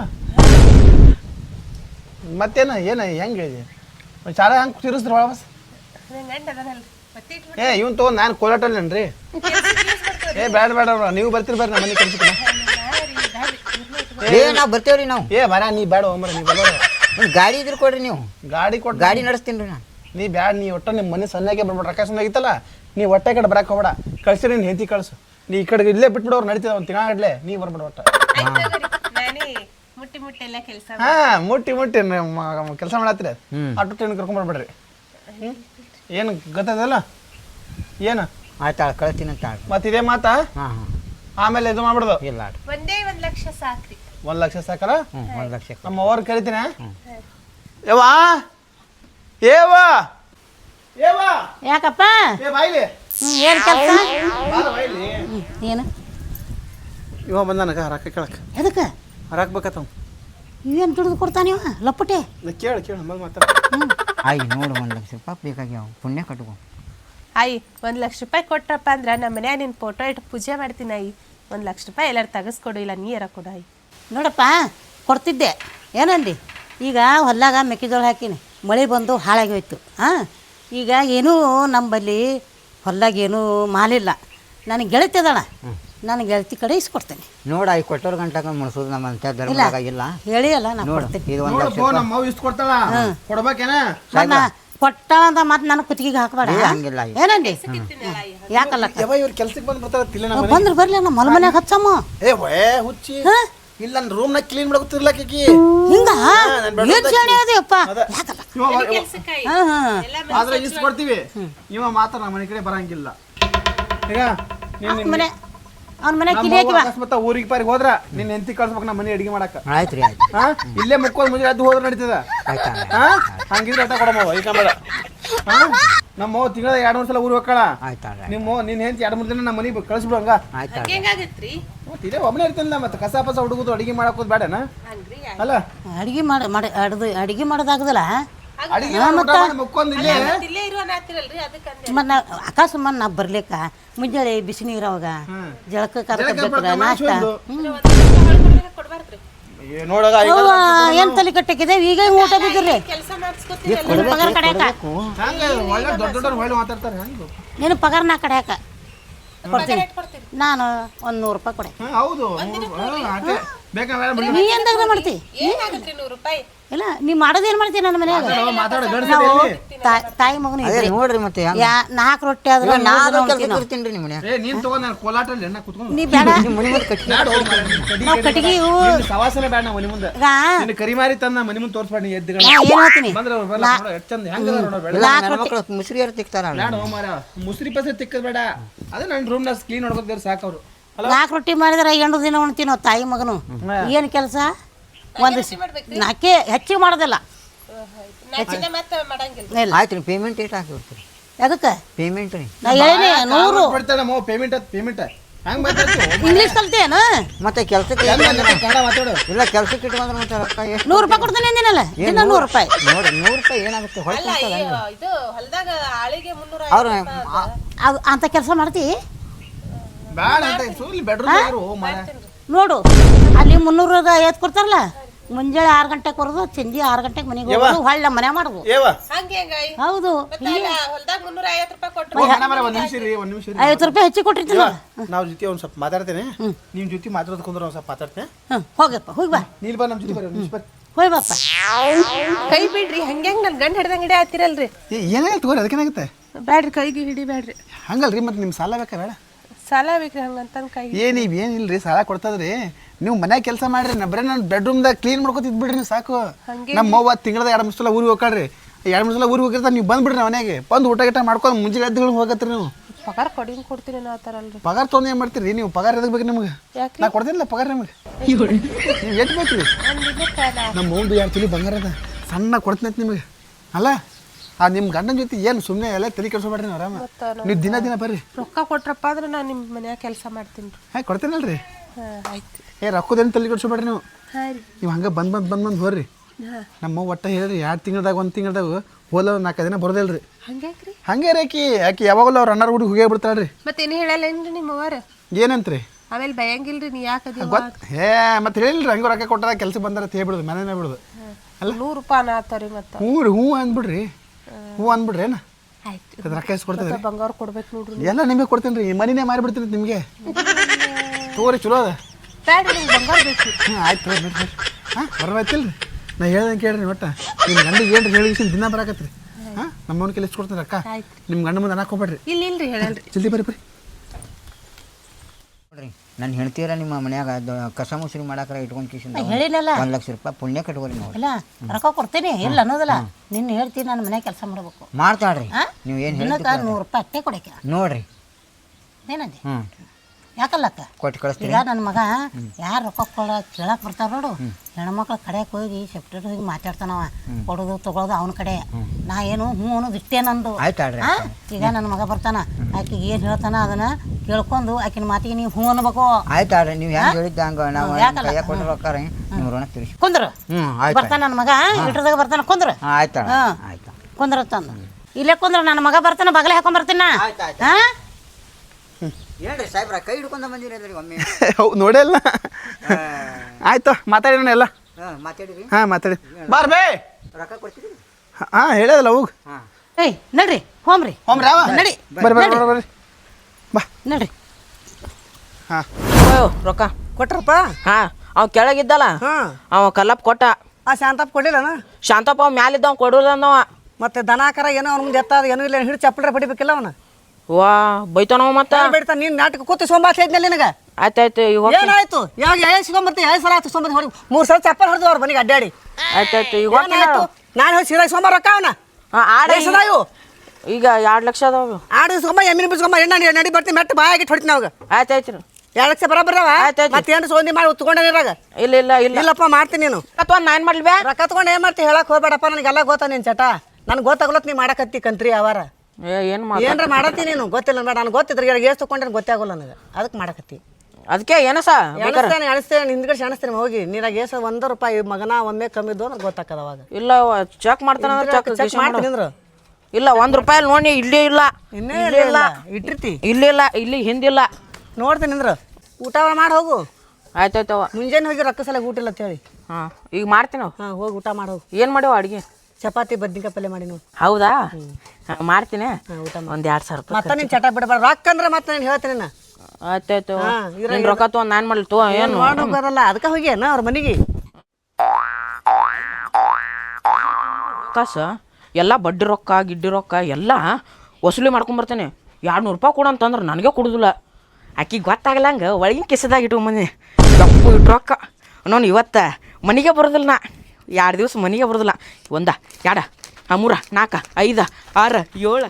S3: ಮತ್ತೇನು ಏನು ಹೆಂಗೆ ಚಾಲ ಹೆಂಗೆ ತಿರ್ಸ್ರಿ ವಾಪಸ್ ಇವನ್ ತೊಗೊಂಡು ನಾನು ಕೋಲಾಟಲ್ಲೇನ್ರಿ ಬೇಡ ನೀವು ಬರ್ತೀರಿ ಬರ್ರಿ ನಮ್ಮ ಮನೆ ಕೆಲ್ಸಕ್ಕೆ
S1: ನಾವು ಬರ್ತೇವ್ರಿ ನಾವು
S3: ಬರ ನೀ ಬೇಡ ಹೋಗ್ಬರ ನೀವು ಬರೋಣ
S1: ಒಂದು ಗಾಡಿ ಇದ್ರೆ ಕೊಡ್ರಿ ನೀವು
S3: ಗಾಡಿ ಕೊಟ್ಟು
S1: ಗಾಡಿ ನಡೆಸ್ತೀನಿ ರೀ ನಾನು
S3: ನೀ ಬ್ಯಾಡ ನೀ ಒಟ್ಟ ನಿಮ್ಮ ಮನೆ ಸಣ್ಣಗೆ ಬರ್ಬೇಡ ರೊಕ್ಕ ಸಣ್ಣಾಗಿತ್ತಲ್ಲ ನೀ ಒಟ್ಟೆ ಕಡೆ ಬರಕ್ಕೆ ಹೋಗ್ಬೇಡ ಕಳ್ಸಿ ನೀನು ಹೆಂತಿ ಕಳ್ಸು ನೀ ಈ ಕಡೆಗೆ ಇಲ್ಲೇ ಬಿಟ್ಬಿಡೋರು ನಡೀತದ ಒಂದು ತಿಂಗಳಗಡ್ಲೆ ನೀ ಬರ್ಬೇಡ ಒಟ್ಟ ಮುಟ್ಟಿ ಕೆಲಸ ಮಾಡತ್ತೀರಿ ಆಟೋ ಟ್ರೈನ್ ಕರ್ಕೊಂಡ್ಬರ್ಬೇಡ್ರಿ ಏನು ಗೊತ್ತದಲ್ಲ ಏನು
S1: ಆಯ್ತಾ ಕಳ್ತೀನಿ ಅಂತ
S3: ಮತ್ತೆ ಇದೇ ಮಾತಾ ಆಮೇಲೆ ಇದು ಮಾಡ್ಬಿಡ್ದು
S1: ಇಲ್ಲ
S2: ಒಂದೇ 1 ಲಕ್ಷ ಸಾಕ್ರಿ
S3: 1 ಲಕ್ಷ ಸಾಕಲ್ಲ
S1: 1 ಲಕ್ಷ
S3: ನಮ್ಮ ಅವ್ರ ಕರಿತೀನಿ ಯವ್ವಾ ಏವಾ ಏವಾ
S4: ಯಾಕಪ್ಪ
S3: ಏ ಬಾಯ್ಲಿ
S4: ಏನು ಕೆಲಸ ಏನು
S3: ಇವ ಬಂದಾನಕ ರೊಕ್ಕ ಕೇಳಕ್ಕೆ
S4: ಎದಕ್ಕೆ
S3: ರೊಕ್ಕ ಬೇಕತ್ತವ
S4: ಏನು ದುಡ್ದು ಕೊಡ್ತಾನೆ ಇವ ಲಪ್ಪಟೆ
S3: ಕೇಳು ಆಮೇಲೆ ಮಾತಾಡ
S1: ಆಯ್ ನೋಡು 1 ಲಕ್ಷ ರೂಪಾಯಿ ಬೇಕಾಗ್ಯಾವ ಪುಣ್ಯ ಕಟ್ಕೊ
S2: ಆಯಿ 1 ಲಕ್ಷ ರೂಪಾಯಿ ಕೊಟ್ರಪ್ಪ ಅಂದ್ರೆ ನಮ್ಮ ಮನ್ಯಾಗ ನಿನ್ನ ಫೋಟೋ ಇಟ್ಟು ಪೂಜೆ ಮಾಡ್ತೀನಿ ಆಯಿ 1 ಲಕ್ಷ ರೂಪಾಯಿ ಎಲ್ಲರೂ ತೆಗೆಸ್ಕೊಡು ಇಲ್ಲ ನೀರ ಕೊಡು ಆಯಿ
S4: ನೋಡಪ್ಪ ಕೊಡ್ತಿದ್ದೆ ಏನಂದು ಈಗ ಹೊಲ್ಲಾಗ ಮೆಕ್ಕೆಜೋಳ ಹಾಕೀನಿ ಮಳೆ ಬಂದು ಹಾಳಾಗಿ ಹೋಯ್ತು ಹಾಂ ಈಗ ಏನೂ ನಮ್ಮಲ್ಲಿ ಹೊಲ್ದಾಗ ಏನೂ ಮಾಲಿಲ್ಲ ನನಗೆ ಗೆಳತಿದಳ ನನ್ನ ಗೆಳತಿ ಕಡೆ ಇಸ್ಕೊಡ್ತೇನೆ.
S1: ನೋಡ ಈ ಕೊಟ್ಟೋರ್ ಗಂಟಾಗ ಮುಡ್ಸೋದು ನಮ್ಮ ಅಂತ ಧರ್ಮದಾಗ ಇಲ್ಲ
S4: ಹೇಳಿ ಅಲ್ಲ ನಾ
S1: ನೋಡು
S4: ಕೊಡ್ತೇನೆ.
S1: ಇದು 1 ಲಕ್ಷ
S3: ನಮ್ಮ ಅವ್ವ ಇಷ್ಟು ಕೊಡ್ತಾಳ ಕೊಡ್ಬೇಕೇನ
S4: ಮತ್ತ ಕೊಟ್ಟಾಳ ಅಂತ ಮತ್ತೆ ನನ್ನ ಕುತ್ತಿಗೆಗೆ ಹಾಕಬೇಡ.
S1: ಹಂಗಿಲ್ಲ
S4: ಏನಂದಿ ಯಾಕಲ್ಲ
S3: ಯವ್ವ ಇವ್ರ ಕೆಲ್ಸಕ್ಕೆ ಬಂದು ಬರ್ತಾರ ತಿಲ್ಲ ನಮ್ಮ
S4: ಬಂದ್ರೆ ಬರ್ಲಿ ನಮ್ಮ ಮಲ ಮನ್ಯಾಗ ಹಚ್ಚಮ್ಮ.
S3: ಏ ವೇ ಹುಚ್ಚಿ ಇಲ್ಲ ನನ್ನ ರೂಮ್ನಾಗ ಕ್ಲೀನ್ ಮಾಡಕತ್ತಿರ್ಲಕ್ಕಿ
S4: ಹಿಂಗ ಏನ್ ಶಾಣೆ ಅದಪ್ಪ ಯಾಕಲ್ಲ.
S3: ಆದ್ರೆ ಇಷ್ಟು ಕೊಡ್ತೀವಿ ಇವ ಮಾತ್ರ ನಮ್ಮ ಮನೆ ಕಡೆ ಬರಂಗಿಲ್ಲ. ಈಗ
S4: ಮನೆ ಅವ್ನ ಮನೆ ಕಿಲಿ ಹಾಕಿವ
S3: ಅಕಸ್ಮಾತ್ ಊರಿಗೆ ಪಾರಿಗೆ ಹೋದ್ರ ನಿನ್ನ ಹೆಂಡತಿ ಕಳ್ಸ್ಬೇಕು ನಮ್ಮ ಮನೆ ಅಡಿಗೆ ಮಾಡಕ.
S1: ಆಯ್ತು ರೀ ಆಯ್ತು
S3: ಹಾ ಇಲ್ಲೇ ಮುಕ್ಕೋದ್ ಮುಂಜಾನೆ ಎದ್ದು ಹೋದ್ರೆ ನಡೀತದ. ಹಾ ಹಂಗಿದ್ರೆ ಅಟ ಕೊಡಮ್ಮ ಈಗ ಬೇಡ. ಹಾ ನಮ್ಮ ತಿಂಗಳ 2-3 ಸಲ ಊರಿಗೆ ಹೋಗ್ಕಳ.
S1: ಆಯ್ತು
S3: ನಿನ್ನ ಹೆಂಡತಿ 2-3 ದಿನ ನಮ್ಮ ಮನೆಗೆ ಕಳಿಸ್ಬಿಡು ಹಂಗ.
S1: ಆಯ್ತು
S3: ಇದೇ ಒಬ್ಬನೇ ಇರ್ತಾನಿಲ್ಲ ಮತ್ತೆ ಕಸ ಪಸ ಹುಡುಗುದು ಅಡಿಗೆ ಮಾಡಕೋದ್ ಬೇಡನಾ ಅಲ್ಲ.
S4: ಅಡಿಗೆ ಮಾಡೋದಾಗದಲ್ಲ
S3: ಅಡಿಗೆ ಮುಕ್ಕೊಂದ್ ಇಲ್ಲೇ
S4: ಮನ್ನ ಅಕಸ್ಮಾತ್ ನಾ ಬರ್ಲಿಕ್ಕ ಮುಂಜಾನೆ ಬಿಸಿ ನೀರು ಅವಾಗ ಜಳಕ ಕರ್ಕಬೇಕ್ರ ನಾಷ್ಟ
S3: ನೋಡಾಗ
S4: ಏನ್ ತಲೆ ಕಟ್ಟಕ್ಕಿದೆ ಈಗ ಊಟ ಬಿದ್ದಿರ್ರಿ ಪಗಾರ ಕಡ್ಯಾಕ
S3: ಒಳ್ಳೆ ದೊಡ್ಡ ದೊಡ್ಡ ಹೊಳ್ಳಿ ಮಾತಾಡ್ತಾರೆ ಹೆಂಗ
S4: ನೀನು ಪಗಾರ ನಾ ಕಡ್ಯಾಕ ಕೊಡ್ತೀನಿ ನಾನು 100 ರೂಪಾಯಿ ಕೊಡೆ.
S3: ಹೌದು
S4: ನೀ ಏನ್ ತೆಗ್ದ ಮಾಡ್ತಿ ಇಲ್ಲ ನೀ ಮಾಡೋದೇನ್ ಮಾಡ್ತೀನಿ ನನ್ನ ಮನ್ಯಾಗ ನಾವು ತಾಯಿ ಮಗನ
S1: ಅದೇ ನೋಡ್ರಿ ಮತ್ತೆ
S4: 4 ರೊಟ್ಟಿ ಆದ್ರೆ
S1: ಇರ್ತೀನಿ ನಿಮ್ಮ ಮನ್ಯಾಗ
S3: ನೀನ್ ತಗೊಂಡ್ ನಾನು ಕೋಲಾಟಲ್ಲಿ ಎಣ್ಣ ಕುತ್ಕೊಂಡು
S4: ನೀ ಬೇಡ
S1: ಮನೆ ಮುಂದೆ ಕಟ್ಟಿ
S4: ನಾವು ಕಟ್ಟಿಗೆ
S3: ಸವಾಸನೆ ಬೇಡ ನಾ ಮನೆ ಮುಂದೆ ನಿನ್ನ ಕರಿಮಾರಿ ತಂದ ಮನೆ ಮುಂದೆ ತೋರ್ಸ್ಬೇಡ ನೀ ಎದ್ದುಗಳ
S4: ಏನ್ ಹೇಳ್ತೀನಿ
S3: ಬಂದ್ರೆ ಅವ್ರು ಬರಲ್ಲ ನೋಡು ಎಷ್ಟು ಚಂದ ಹೆಂಗದ ನೋಡು ಬೆಳ್ಳ
S1: ಹೆಣ್ಮಕ್ಳು ಮುಸ್ರಿಯರು ತಿಕ್ತಾರ
S3: ಬೇಡ ಹೋಮಾರ ಮುಸ್ರಿ ಪಸೆ ತಿಕ್ಕದ್ ಬೇಡ ಅದೇ ನನ್ನ ರೂಮ್ನಾಗ ಕ್ಲೀನ್ ನೋಡ್ಕೊತಾರೆ ಸಾಕು ಅವರು
S4: 4 ರೊಟ್ಟಿ ಮಾಡಿದ್ರೆ 2 ದಿನ ಉಣ್ತೀನೋ ತಾಯಿ ಮಗನು ಏನು ಕೆಲಸ ಒಂದು ನಾಕೆ ಹೆಚ್ಚಿಗೆ ಮಾಡೋದಿಲ್ಲ
S1: ಆಯ್ತು ರೀ ಪೇಮೆಂಟ್ ಏಟ್ ಹಾಕಿಬಿಡ್ತೀರಿ
S4: ಅದಕ್ಕೆ
S1: ಪೇಮೆಂಟ್ ರೀ
S4: ನಾ ಹೇಳೀನಿ 100
S3: ಬಿಡ್ತಾಳೆ ಮೋ ಪೇಮೆಂಟ್ ಹಂಗೆ ಮಾತಾಡ್ತೀವಿ
S4: ಇಂಗ್ಲೀಷ್ ಕಲ್ತೇನು
S1: ಮತ್ತೆ ಕೆಲ್ಸಕ್ಕೆ
S3: ಕನ್ನಡ ಮಾತಾಡು
S1: ಇಲ್ಲ ಕೆಲ್ಸಕ್ಕೆ ಇಟ್ಟು ಬಂದ್ರೆ ಮತ್ತೆ ರೊಕ್ಕ ಎಷ್ಟು
S4: 100 ರೂಪಾಯಿ ಕೊಡ್ತೀನಿ ಅಂದಿನಲ್ಲ ದಿನ 100 ರೂಪಾಯಿ
S1: ನೋಡಿ 100 ರೂಪಾಯಿ ಏನಾಗುತ್ತೆ ಅವ್ರು
S4: ಅದು ಅಂತ ಕೆಲಸ ಮಾಡ್ತಿ
S3: ಬೇಡ ಅಂತ ಸೂರ್ಲಿ ಬೆಡ್ರೂಮ್ ಓ ಮಾರ
S4: ನೋಡು ಅಲ್ಲಿ 350 ಕೊಡ್ತಾರಲ್ಲ ಮುಂಜಾನೆ 6 ಗಂಟೆಗೆ ಬರೋದು ಸಂಜೆ 6 ಗಂಟೆಗೆ ಮನೆಗೆ ಹೋಗೋದು ಹೊಳ್ಳ ಮನೆ ಮಾಡೋದು
S3: ಏವ
S4: ಹೌದು
S3: ಒಂದು ನಿಮಿಷ ರೀ 1 ನಿಮಿಷ
S4: 50 ರೂಪಾಯಿ ಹೆಚ್ಚಿಗೆ ಕೊಟ್ಟಿರ್ತೀವಿ
S3: ನಾವು ಜೊತೆ ಒಂದು ಸ್ವಲ್ಪ ಮಾತಾಡ್ತೇನೆ ನಿಮ್ಮ ಜೊತೆ ಮಾತಾಡೋದು ಕುಂದ್ರೆ ಒಂದು ಸ್ವಲ್ಪ ಮಾತಾಡ್ತೇನೆ
S4: ಹೋಗಪ್ಪ ಹೋಗಿ ಬಾ
S3: ನೀಲ್ ಬಾ ನಮ್ಮ ಜೊತೆ ಬರ್ರಿ 1 ನಿಮಿಷ ಬರ್ರಿ
S4: ಹೋಯ್ ಬಾಪ
S2: ಕೈ ಬಿಡ್ರಿ ಹಂಗ್ಯಾಂಗ ನನ್ ಗಂಡ ಹಿಡ್ದಂಗ್ ಹಿಡಿ ಆತಿರಲ್ರಿ
S3: ಏನಾಗಲ್ಲ ತಗೋರಿ ಅದಕ್ಕೇನಾಗುತ್ತೆ
S2: ಬ್ಯಾಡ್ರಿ ಕೈಗೆ ಹಿಡಿ ಬ್ಯಾಡ್ರಿ
S3: ಹಂಗಲ್ರಿ ಮತ್ತೆ ನಿಮ್ಮ ಸಾಲ ಬೇಕಾ ಬೇಡ
S2: ಸಾಲ ಬೇಕ್ರಿ ಹಂಗಂತ ಕೈ
S3: ಏನಿಲ್ರಿ ಸಾಲ ಕೊಡ್ತದ್ರಿ ನೀವು ಮನ್ಯಾಗ ಕೆಲಸ ಮಾಡ್ರಿ ಬರೀ ನಾನು ಬೆಡ್ರೂಮ್ದಾಗ ಕ್ಲೀನ್ ಮಾಡ್ಕೊತಿದ್ ಬಿಡ್ರಿ ನೀವು ಸಾಕು ನಮ್ಮ ಅವ್ವ ತಿಂಗಳದ 2-3 ಸಲ ಊರಿಗೆ ಹೋಗ್ರಿ 2-3 ಸಲ ಊರಿಗೆ ಹೋಗಿರ್ತಾರೆ ನೀವು ಬಂದ್ಬಿಡ್ರಿ ಮನೆಗೆ ಬಂದು ಊಟ ಗಿಟ ಮಾಡ್ಕೊಂಡು ಮುಂಜಾನೆ ಎದ್ದುಗಳು ಹೋಗತ್ರಿ ನೀವು
S2: ಪಗಾರ ಕಡಿಮೆ ಕೊಡ್ತೀನಿ ನಾ ತರಲ್ರಿ
S3: ಪಗಾರ ತೊಗೊಂಡು ಏನು ಮಾಡ್ತೀರಿ ನೀವು ಪಗಾರ ಎದಕ್ಕೆ ಬೇಕು ನಿಮಗೆ
S2: ಯಾಕ್ರಿ?
S3: ನಾ ಕೊಡ್ತೀನಿಲ್ಲ ಪಗಾರ ನಿಮಗೆ ನೀವು ಎಷ್ಟು ಬೇಕ್ರಿ ನಮ್ಮ ಒಂದು 2 ತೊಲಿ ಬಂಗಾರ ಅದ ಸಣ್ಣ ಕೊಡ್ತೀನಿ ಅಂತ ನಿಮಗೆ ಅಲ್ಲ ನಿಮ್ಮ ಗಂಡನ ಜೊತೆ ಏನು ಸುಮ್ಮನೆ ಎಲ್ಲ ತಲೆ ಕೆಡ್ಸೋಬೇಡ್ರಿ ನೀವು ಆರಾಮ ನೀವು ದಿನ ಬರ್ರಿ
S2: ರೊಕ್ಕ ಕೊಟ್ರಪ್ಪ ಅಂದ್ರೆ ನಾನು ನಿಮ್ಮ ಮನ್ಯಾಗ ಕೆಲಸ ಮಾಡ್ತೀನಿ
S3: ಹಾಂ ಕೊಡ್ತೀನಲ್ರಿ
S2: ಆಯ್ತು
S3: ರೊಕ್ಕದೇನು ತಲೆ ಕೆಡ್ಸೋಬೇಡ್ರಿ ನೀವು
S2: ಹಾಂ ರೀ
S3: ನೀವು ಹಂಗೆ ಬಂದು ಹೋರ್ರಿ ನಮ್ಮ ಒಟ್ಟ ಹೇಳ್ರಿ 2 ತಿಂಗಳದಾಗ 1 ತಿಂಗಳದಾಗ ಹೋಲ 4 ದಿನ ಬರೋದಿಲ್ರಿ
S2: ಹಂಗ್ಯಾಕ್ರಿ
S3: ಹಂಗೆ ರೀ ಆಕಿ ಯಾವಾಗಲೂ ಅವ್ರು ಅಣ್ಣಾರ ಹುಡುಗಿ ಹೋಗೇ ಬಿಡ್ತಾಳ್ರಿ
S2: ಮತ್ತೇನು ಹೇಳಲ್ಲೇನ್ರಿ ನಿಮ್ಮ ಅವ್ವಾರ
S3: ಏನಂತ್ರಿ
S2: ಆಮೇಲೆ ಭಯಂಗಿಲ್ರಿ ನೀ ಯಾಕದಿ
S3: ಮತ್ತೆ ಹೇಳಿಲ್ರಿ ಹಂಗೆ ರೊಕ್ಕ ಕೊಟ್ಟಾಗ ಕೆಲಸ ಬಂದಾರ ಹೇಳ್ಬಿಡುದು ಮನೇನೇ ಬಿಡುದು ಅಲ್ಲ
S2: 100 ರೂಪಾಯಿ ಆತಾರಿ ಮತ್ತೆ
S3: ಹ್ಞೂ ಅಂದ್ಬಿಡ್ರಿ ಏನ
S2: ಆಯ್ತು
S3: ರೊಕ್ಕ ಎಷ್ಟು ಕೊಡ್ತೇವೆ
S2: ಬಂಗಾರ ಕೊಡ್ಬೇಕು ನೋಡ್ರಿ
S3: ಎಲ್ಲ ನಿಮಗೆ ಕೊಡ್ತೇನೆ ರೀ ಮನಿನೇ ಮಾರಿಬಿಡ್ತೀನಿ ನಿಮಗೆ ತಗೋರಿ ಚಲೋ ಅದ
S2: ಬ್ಯಾಡ್ರಿ ನಿಮ್ಗೆ ಬಂಗಾರ ಬೇಕು
S3: ಆಯ್ತು ತಗೋರಿ ಬಿಡ್ರಿ ಹಾಂ ಬರಬಾಯ್ತಿಲ್ಲ ರೀ ನಾ ಹೇಳ್ದಂಗೆ ಕೇಳ್ರಿ ಒಟ್ಟ ನಿಮ್ಮ ಗಂಡಿಗೆ ಏನು ಹೇಳಿ ದಿನ ಬರಾಕತ್ರಿ ಹಾಂ ನಮ್ಮ ಕೈಲಿ ಎಷ್ಟು ಕೊಡ್ತೀನಿ ರೊಕ್ಕ ನಿಮ್ಮ ಗಂಡ ಮುಂದೆ ಅನ್ನಕ್ಕೆ ಹೋಗ್ಬೇಡ್ರಿ
S2: ಇಲ್ರಿ ಹೇಳಲ್ರಿ
S3: ಜಲ್ದಿ ಬರ್ರಿ
S1: ನೋಡ್ರಿ ನನ್ನ ಹೆಣ್ತೀರ ನಿಮ್ಮ ಮನ್ಯಾಗ ಕಸ ಮುಸ್ರಿ ಮಾಡಾಕ್ರ ಇಟ್ಕೊಂಡು ಕಿಶನ್
S4: ಹೇಳಿನಲ್ಲ
S1: 1 ಲಕ್ಷ ರೂಪಾಯಿ ಪುಣ್ಯ ಕಟ್ಕೋರಿ ನೋಡಿ
S4: ಇಲ್ಲ ರೊಕ್ಕ ಕೊಡ್ತೀನಿ ಇಲ್ಲ ಅನ್ನೋದಿಲ್ಲ ನಿನ್ನ ಹೇಳ್ತೀನಿ ನನ್ನ ಮನ್ಯಾಗ ಕೆಲಸ ಮಾಡಬೇಕು
S1: ಮಾಡ್ತಾಳ್ರಿ ನೀವು ಏನು
S4: ದಿನಕ್ಕೆ 100 ರೂಪಾಯಿ ಅಷ್ಟೇ ಕೊಡಕ್ಕೆ
S1: ನೋಡ್ರಿ
S4: ಏನಂದಿ
S1: ಹ್ಞೂ
S4: ಯಾಕಲ್ಲಕ್ಕ
S1: ಕೊಟ್ಟು ಕಳಿಸ್ತೀನಿ
S4: ಈಗ ನನ್ನ ಮಗ ಯಾರು ರೊಕ್ಕ ಕೇಳಕ್ಕೆ ಬರ್ತಾರ ನೋಡು ಹೆಣ್ಮಕ್ಳ ಕಡೆಗೆ ಹೋಗಿ ಸೆಪ್ರೇಟ್ ಹೋಗಿ ಮಾತಾಡ್ತಾನವ ಕೊಡೋದು ತಗೊಳೋದು ಅವನ ಕಡೆ ನಾ ಏನು ಹ್ಞೂ ಅನ್ನೋದು ಇಷ್ಟೇ ನಂದು
S1: ಆಯ್ತಾಳ್ರಿ
S4: ಈಗ ನನ್ನ ಮಗ ಬರ್ತಾನ ಆಕಿಗೆ ಏನು ಹೇಳ್ತಾನ ಅದನ್ನ ಕೇಳ್ಕೊಂಡು ಆಕಿನ ಮಾತಿಗೆ ನೀವು ಹ್ಞೂ ಅನ್ಬೇಕು
S1: ಆಯ್ತಾಳ್ರಿ ನೀವು ಹೆಂಗೆ ಹೇಳಿದ್ದ ಹಂಗೆ ನಾವು ಕೈಯಾಗ ಕೊಟ್ಟು ರೊಕ್ಕ ರೀ ನೀವು ಋಣ ತಿರ್ಸಿ
S4: ಕುಂದ್ರ
S1: ಆಯ್ತು
S4: ಬರ್ತಾನ ನನ್ನ ಮಗ ಇಟ್ರದಾಗ ಬರ್ತಾನ ಕುಂದ್ರ
S1: ಆಯ್ತಾಳ ಆಯ್ತು
S4: ಕುಂದ್ರ ತಂದು ಇಲ್ಲೇ ಕುಂದ್ರ ನನ್ನ ಮಗ ಬರ್ತಾನ ಬಗಲೇ ಹಾಕೊಂಡ್ ಬರ್ತೀನ ಹಾ
S1: ಏನ್ರಿ ಸಾಹೇಬ್ರ ಕೈ ಹಿಡ್ಕೊಂಡ ಬಂದಿರಿ ಒಮ್ಮೆ
S3: ಹೌದು ನೋಡಿಲ್ಲ ಆಯ್ತು ಮಾತಾಡಿ ಎಲ್ಲ
S1: ಮಾತಾಡಿರಿ
S3: ಹಾಂ ಮಾತಾಡಿ ಬಾರ್ ಬೇ
S1: ರೊಕ್ಕ ಕೊಡ್ತೀರಿ
S3: ಹಾಂ ಹೇಳೋದಲ್ಲ ಹೋಗು
S4: ಏಯ್ ನಡ್ರಿ ಹೋಮ್ರಿ
S3: ಹೋಮ್ರಿ ಯಾವ
S4: ನಡಿ
S3: ಬರ್ರಿ ಬರ್ರಿ ಬರ್ರಿ ಬಾ
S4: ನಡ್ರಿ
S3: ಹಾಂ
S5: ರೊಕ್ಕ
S6: ಕೊಟ್ರಪ್ಪ
S5: ಹಾ ಅವ್ ಕೆಳಗಿದ್ದಲ್ಲ
S6: ಹಾಂ
S5: ಅವ ಕಲ್ಲಪ್ಪ ಕೊಟ್ಟ
S6: ಆ ಶಾಂತಪ್ಪ ಕೊಡ್ಲಿಲ್ಲನ
S5: ಶಾಂತಪ್ಪ ಅವ್ ಮ್ಯಾಲಿದ್ದವ್ ಕೊಡೋದಂದವ
S6: ಮತ್ತೆ ದನಾಕರ ಏನೋ ಅವ್ನ ಮುಂದೆ ಎತ್ತಾದ ಏನೂ ಇಲ್ಲ ಹಿಡಿದು ಚಪ್ಪಲ್ರೆ ಬಡಿಬೇಕಿಲ್ಲ ಅವನ
S5: ವಾ ಬೈತಾನವ ಮತ್ತ
S6: ಬಿಡ್ತಾನೆ ನೀನು ನಾಟಕ ಕೂತು ಸೋಂಬಾರ್ ಹೇಳಿದ್ನಲ್ಲ ನಿನಗೆ
S5: ಆಯ್ತಾಯ್ತು ಈಗ
S6: ಏನಾಯ್ತು ಯಾವಾಗ ಯಾವ ಸಿಗೊಂಬರ್ತಿ ಯಾವ ಸಲ ಆಯ್ತು ಸೋಂಬರ್ ಹೊರಗೆ 3 ಸಲ ಚಪ್ಪಲ್ ಹೊಡೆದು ಅವ್ರ ಮನೆಗೆ ಅಡ್ಡಾಡಿ
S5: ಆಯ್ತಾಯ್ತು ಈಗ
S6: ಏನಾಯ್ತು ನಾನು ಹೇಳಿ ಸೀದಾ ಸೋಮವಾರ ರೊಕ್ಕ ಅವನ
S5: ಆಡ
S6: ಇವು
S5: ಈಗ 2 ಲಕ್ಷ ಅದಾವ
S6: ಆಡು ಸೊಂಬ ಎಮ್ಮಿನ ಬಿಸ್ಕೊಂಬ ಎಣ್ಣ ನಡಿ ಬರ್ತೀನಿ ಮೆಟ್ಟ ಬಾಯಾಗಿ ಹೊಡಿತೀನಿ ಅವಾಗ
S5: ಆಯ್ತಾಯ್ತು
S6: 2 ಲಕ್ಷ ಬರೋಬ್ಬರ
S5: ಆಯ್ತಾಯ್ತು.
S6: ಮತ್ತೆ ಏನು ಸೋಂದಿ ಮಾಡಿ ತಗೊಂಡಿರಾಗ
S5: ಇಲ್ಲ ಇಲ್ಲ ಇಲ್ಲ
S6: ಇಲ್ಲಪ್ಪ ಮಾಡ್ತೀನಿ ನೀನು
S5: ಅಥವಾ ನಾನ್ ಮಾಡ್ಲಿ ಬ್ಯಾ
S6: ರೊಕ್ಕ ತಗೊಂಡು ಏನು ಮಾಡ್ತಿ ಹೇಳಕ್ ಹೋಗ್ಬೇಡಪ್ಪ ನನಗೆಲ್ಲ ಗೊತ್ತಾ ನಿನ್ ಚಟ ನನಗೆ ಗೊತ್ತಾಗಲತ್ ನೀ ಮಾಡಕತ್ತಿ ಕಂತ್ರಿ ಅವಾರ
S5: ಏನ್
S6: ಏನ್ರ ಮಾಡತ್ತಿ ನೀನು ಗೊತ್ತಿಲ್ಲ ಬೇಡ ನನಗೆ ಗೊತ್ತಿದ್ರೆ ಎಷ್ಟು ತಗೊಂಡ್ರೆ ಗೊತ್ತೇ ಆಗೋಲ್ಲ ನನಗೆ ಅದಕ್ಕೆ ಮಾಡಕತ್ತಿ
S5: ಅದಕ್ಕೆ ಏನಸ
S6: ಎಣಿಸ್ತೇನೆ ಹಿಂದ್ಗಡೆ ಎಣಿಸ್ತೇನೆ ಹೋಗಿ ನೀರಾಗ ಏಸ ₹1 ಮಗನ ಒಮ್ಮೆ ಕಮ್ಮಿದ್ದು ಅಂದ್ರೆ ಗೊತ್ತಾಕದ ಅವಾಗ
S5: ಇಲ್ಲ ಚೆಕ್ ಮಾಡ್ತಾನಂದ್ರೆ ಚೆಕ್
S6: ಮಾಡ್ತೀನಿ ಅಂದ್ರು
S5: ಇಲ್ಲ ₹1 ನೋಡಿ ಇಲ್ಲೇ ಇಲ್ಲ
S6: ಇನ್ನೇ
S5: ಇಲ್ಲೇ ಇಲ್ಲ
S6: ಇಟ್ಟಿರ್ತಿ
S5: ಇಲ್ಲಿಲ್ಲ ಇಲ್ಲಿ ಹಿಂದಿಲ್ಲ
S6: ನೋಡ್ತೀನಿ ಅಂದ್ರು ಊಟ ಮಾಡಿ ಹೋಗು
S5: ಆಯ್ತಾಯ್ತವ
S6: ಮುಂಜಾನೆ ಹೋಗಿ ರೊಕ್ಕ ಸಲ ಊಟ ಇಲ್ಲ ಅಂತ ಹೇಳಿ
S5: ಹಾ ಈಗ ಮಾಡ್ತೀನಿ
S6: ಹಾಂ ಹೋಗಿ ಊಟ ಮಾಡಿ ಹೋಗು
S5: ಏನ್ ಮಾಡ್ಯಾವ ಅಡಿಗೆ
S6: ಚಪಾತಿ ಬದ್ನಿಕಾಯಿ ಪಲ್ಯ ಮಾಡಿ ನೋಡಿ
S5: ಹೌದಾ ಹಾ, ಮಾಡ್ತೀನಿ
S6: ಊಟ
S5: ಒಂದ್ 2,000 ರೂಪಾಯಿ
S6: ಮತ್ತೆ ನೀನು ಚಟ ಬಿಡಬಾರ್ದು ರೊಕ್ಕ ಅಂದ್ರೆ ಮತ್ತೆ ನಾನು ಹೇಳ್ತೀನಿ ನಾ
S5: ಆಯ್ತಾಯ್ತು
S6: ಹಾ,
S5: ನಿನ್ ರೊಕ್ಕ ತಗೊಂಡ್ ನಾನ್ ಮಾಡ್ಲಿ ತಗೋ ಏನು
S6: ಮಾಡಿ ಬರಲ್ಲ ಅದಕ್ಕೆ ಹೋಗ್ಯಾನ ಅವ್ರ ಮನೆಗೆ
S5: ಕಾಸ ಎಲ್ಲ ಬಡ್ಡಿ ರೊಕ್ಕ ಗಿಡ್ಡಿ ರೊಕ್ಕ ಎಲ್ಲ ವಸೂಲಿ ಮಾಡ್ಕೊಂಬರ್ತೇನೆ ₹200 ಕೊಡು ಅಂತಂದ್ರೆ ನನಗೆ ಕೊಡುದಿಲ್ಲ ಆಕಿಗೆ ಗೊತ್ತಾಗಲ್ಲಂಗೆ ಒಳಗಿನ ಕಿಸದಾಗ ಇಟ್ಕೊಂಬಂದಿ ದಪ್ಪು ಇಟ್ಟು ರೊಕ್ಕ ನಾನು ಇವತ್ತು ಮನೆಗೆ ಬರೋದಿಲ್ಲ ನಾ 2 ದಿವಸ ಮನೆಗೆ ಬರೋದಿಲ್ಲ 1 2 3 4 5 6 7